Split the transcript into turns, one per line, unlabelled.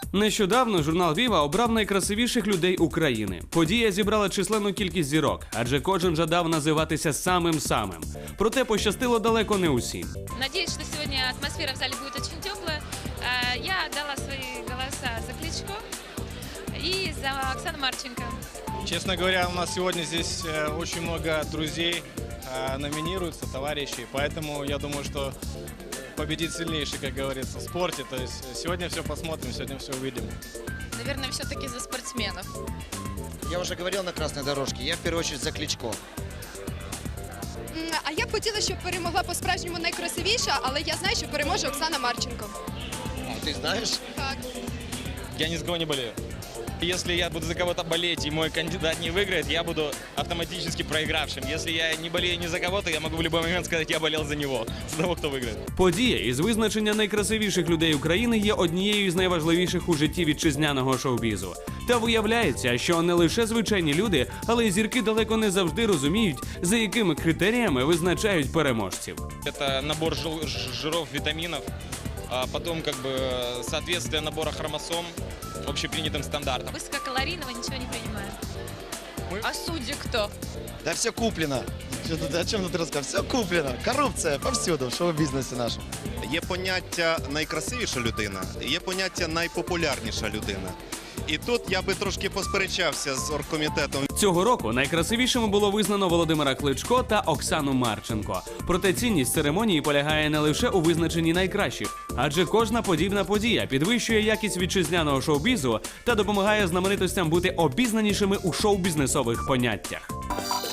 Нещодавно журнал Віва обрав найкрасивіших людей України. Подія зібрала численну кількість зірок, адже кожен жадав називатися самим-самим. Проте пощастило далеко не усім.
Надеюсь, что сегодня атмосфера в зале будет очень теплая. Я отдала свои голоса за Кличко и за Оксану Марченко.
Честно говоря, у нас сегодня здесь очень много друзей номинируются, товарищей, поэтому я думаю, что победит сильнейший, как говорится, в спорте. То есть сегодня все посмотрим, сегодня все увидим.
Наверное, все-таки за спортсменов.
Я уже говорил на красной дорожке, я в первую очередь за Кличко.
А я б хотіла, щоб перемогла по-справжньому найкрасивіша, але я знаю, що переможе Оксана Марченко.
Ты знаешь?
Так.
Я ни за кого не болею. Если я буду за кого-то болеть и мой кандидат не выиграет, я буду автоматически проигравшим. Если я не болею ни за кого, то я могу в любой момент сказать, я болел за него, за того, кто выиграет.
Подія із визначення найкрасивіших людей України є однією з найважливіших у житті вітчизняного шоу-бізу. Та виявляється, що не лише звичайні люди, але й зірки далеко не завжди розуміють, за якими критеріями визначають переможців.
Это набор жиров, витаминов, а потом как бы соответствие набора хромосом общепринятым стандартам.
Высококалорийного ничего не принимаю. А судьи кто?
Да все куплено. О чем тут рассказывать? Все куплено. Коррупция повсюду в шоу-бізнесі нашому.
Є поняття найкрасивіша людина, є поняття найпопулярніша людина. І тут я би трошки посперечався з оргкомітетом.
Цього року найкрасивішими було визнано Володимира Кличко та Оксану Марченко. Проте цінність церемонії полягає не лише у визначенні найкращих, адже кожна подібна подія підвищує якість вітчизняного шоу-бізу та допомагає знаменитостям бути обізнанішими у шоу-бізнесових поняттях.